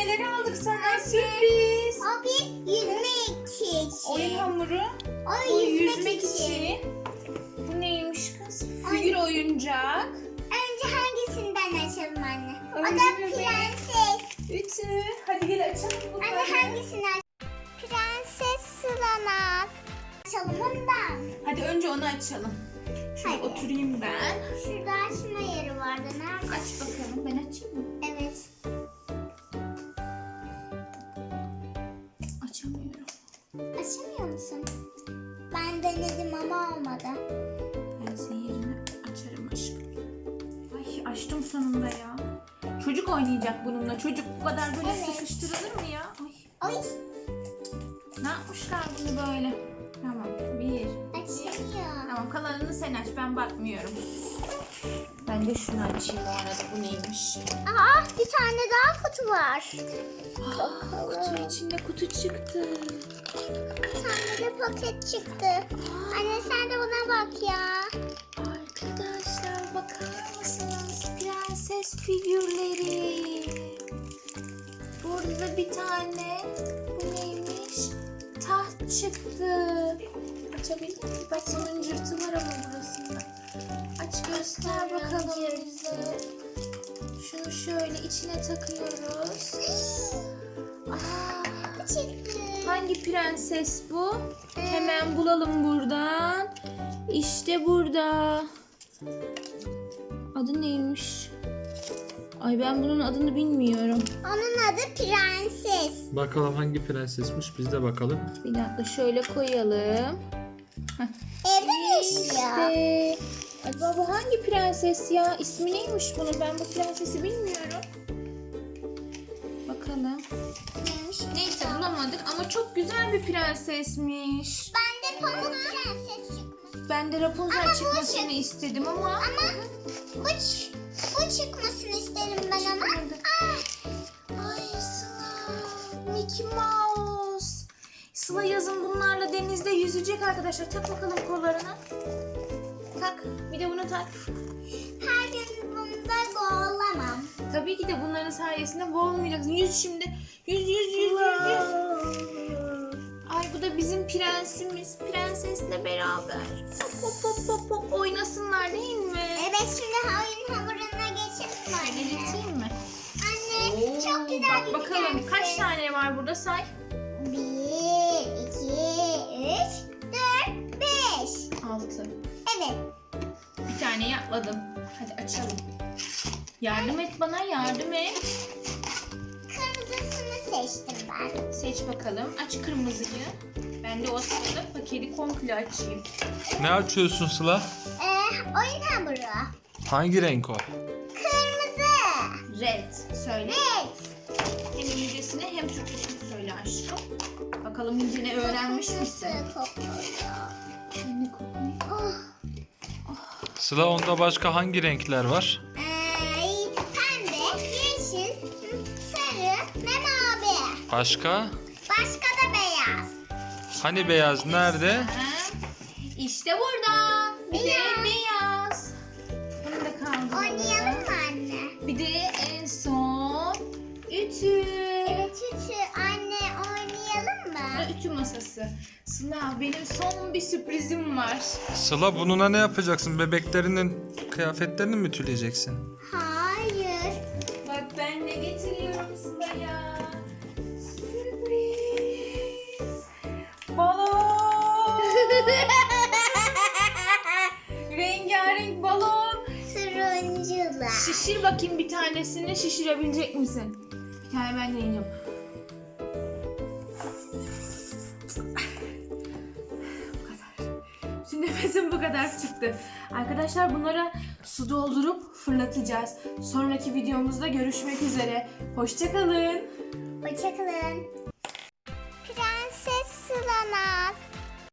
neler aldık sana? Sürpriz. O bir yüzmek için. Oyun hamuru. O Bu yüzmek yüzmek için. için. Bu neymiş kız? Figür oyuncak. Önce hangisinden açalım anne? O Önce da bebeğim. prenses. Ütü. Hadi gel açalım bunları. Anne hangisini aç? Prenses Sılanaz. Açalım ondan. Hadi önce onu açalım. Şöyle Hadi. oturayım ben. Şurada açma yeri vardı. Nerede? Aç bakalım. Ben açayım mı? Evet. Açamıyorum. Açamıyor musun? Ben denedim ama olmadı. Ben senin yerine açarım aşkım. Ay açtım sonunda ya. Çocuk oynayacak bununla. Çocuk bu kadar böyle Evet. sıkıştırılır mı ya? Ay. Oy. Ne yapmışlar bunu böyle? Tamam. Bir. Açılıyor. Tamam kalanını sen aç. Ben bakmıyorum. Ben de şunu açayım o arada. Bu neymiş? Aa, bir tane daha kutu var. Kutu içinde kutu çıktı. Bir tane de paket çıktı. Anne sen de buna bak ya. Arkadaşlar bakar mısınız? Prenses figürleri. Burada bir tane bu neymiş? Taht çıktı. Açabilir miyim? Bak mıncırtı var ama burasında. Aç göster bakalım bize. Şunu şöyle içine takıyoruz. Aa, Çıktı. hangi prenses bu? Hemen bulalım buradan. İşte burada. Adı neymiş? Ay ben bunun adını bilmiyorum. Onun adı Prenses. Bakalım hangi prensesmiş biz de bakalım. Bir dakika şöyle koyalım. Evde mi yaşıyor? İşte. Acaba bu hangi prenses ya? İsmi neymiş bunun? Ben bu prensesi bilmiyorum. Bakalım. Neymiş? Neyse bulamadık ama çok güzel bir prensesmiş. Ben de Pamuk Prenses çıkmış. Ben de Rapunzel Ama bu çıkmasını istedim ama. Ama bu çıkmasını isterim ben ama. Ay Sıla. Mickey Mouse. Sıla yazın bunlarla denizde yüzecek arkadaşlar. Tak bakalım kollarına. Tak. Bir de bunu tak. Her gün bunda boğulamam. Tabii ki de bunların sayesinde boğulmayacaksın. Yüz şimdi. Yüz. Ay bu da bizim prensimiz. Prensesle beraber. Hop oynasınlar değil mi? Evet şimdi oyun hamuruna geçelim Şöyle anne. getireyim mi? Anne çok güzel Bak bir bakalım prenses. kaç tane var burada say. 1, 2, 3, 4, 5. 6. Evet. Bir tane yapmadım. Hadi açalım. Yardım et bana, yardım et. Kırmızısını seçtim ben. Seç bakalım. Aç kırmızıyı. Ben de o sırada paketi komple açayım. Ne açıyorsun Sıla? Oyun hamuru. Hangi renk o? Kırmızı. Red. Söyle. Evet. Hem İngilizcesini hem Türkçesini söyle aşkım. Bakalım İngilizce ne öğrenmiş misin? Nasıl kokuyor? Ne kokuyor? Oh. Sıla onda başka hangi renkler var? Pembe, yeşil, sarı ve mavi. Başka? Başka da beyaz. Hani beyaz nerede? İşte burada. Bir de Beyaz. beyaz. Bunu da kaldıralım. Oynayalım mı anne? Bir de en son ütü. Evet Ütü. Anne oynayalım mı? Ve ütü masası. Sıla benim son bir sürprizim var. Sıla bununla ne yapacaksın? Bebeklerinin kıyafetlerini mi ütüleyeceksin? Hayır. Bak ben ne getiriyorum Sıla'ya. Sürpriz. Balon. Rengarenk balon. Turuncular. Şişir bakayım bir tanesini. Şişirebilecek misin? Bir tane ben deneyeceğim. Bu kadar. Şimdi nefesim bu kadar çıktı. Arkadaşlar bunlara su doldurup fırlatacağız. Sonraki videomuzda görüşmek üzere. Hoşça kalın. Hoşçakalın.